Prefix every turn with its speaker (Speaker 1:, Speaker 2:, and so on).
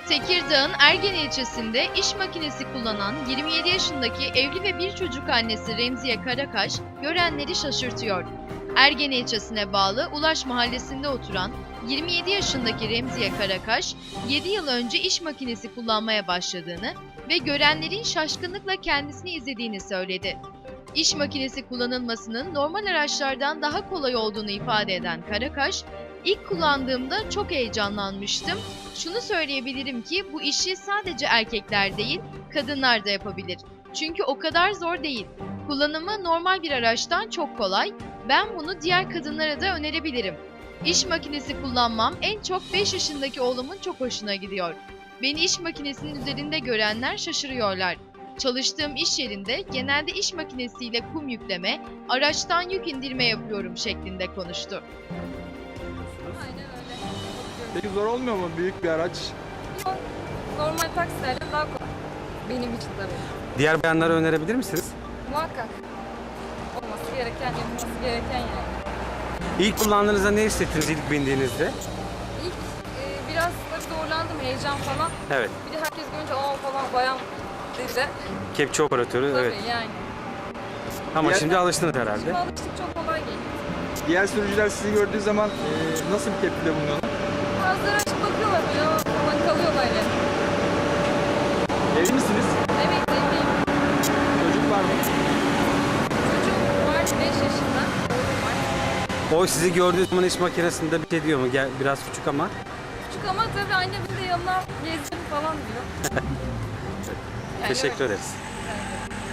Speaker 1: Tekirdağ'ın Ergen ilçesinde iş makinesi kullanan 27 yaşındaki evli ve bir çocuk annesi Remziye Karakaş, görenleri şaşırtıyor. Ergen ilçesine bağlı Ulaş mahallesinde oturan 27 yaşındaki Remziye Karakaş, 7 yıl önce iş makinesi kullanmaya başladığını ve görenlerin şaşkınlıkla kendisini izlediğini söyledi. İş makinesi kullanılmasının normal araçlardan daha kolay olduğunu ifade eden Karakaş, İlk kullandığımda çok heyecanlanmıştım. Şunu söyleyebilirim ki bu işi sadece erkekler değil, kadınlar da yapabilir. Çünkü o kadar zor değil. Kullanımı normal bir araçtan çok kolay. Ben bunu diğer kadınlara da önerebilirim. İş makinesi kullanmam en çok 5 yaşındaki oğlumun çok hoşuna gidiyor. Beni iş makinesinin üzerinde görenler şaşırıyorlar. Çalıştığım iş yerinde genelde iş makinesiyle kum yükleme, araçtan yük indirme yapıyorum şeklinde konuştu.
Speaker 2: Aynen öyle.
Speaker 3: Peki zor olmuyor mu büyük bir araç?
Speaker 2: Yok, normal taksilerden daha kolay. Benim için tabii.
Speaker 4: Diğer bayanlara önerebilir misiniz?
Speaker 2: Muhakkak olması gereken, yapılması gereken yani.
Speaker 4: İlk kullandığınızda ne hissettiniz ilk bindiğinizde?
Speaker 2: İlk biraz tabii zorlandım, heyecan falan.
Speaker 4: Evet.
Speaker 2: Bir de herkes görünce aa falan bayan dedi.
Speaker 4: Kepçe operatörü,
Speaker 2: Tabii
Speaker 4: evet.
Speaker 2: yani.
Speaker 4: Ama
Speaker 3: Diğer-
Speaker 4: şimdi alıştınız herhalde.
Speaker 2: Şimdi alıştık, çok kolay geliyor.
Speaker 3: Diğer sürücüler sizi gördüğü zaman nasıl bir tepkide bulunuyorlar?
Speaker 2: Bazıları açıp bakıyorlar böyle "Aa" falan kalıyorlar yani.
Speaker 3: Evli misiniz?
Speaker 2: Evet, evliyim.
Speaker 3: Çocuk var mı?
Speaker 2: Çocuğum var 5 yaşında. Oğlum var.
Speaker 4: O sizi gördüğü zaman iş makinesinde bir şey diyor mu? Biraz küçük ama.
Speaker 2: Küçük ama tabii annemin de yanına gezdim falan diyor. Yani
Speaker 4: Teşekkür
Speaker 2: öyle.
Speaker 4: ederiz.
Speaker 2: Yani.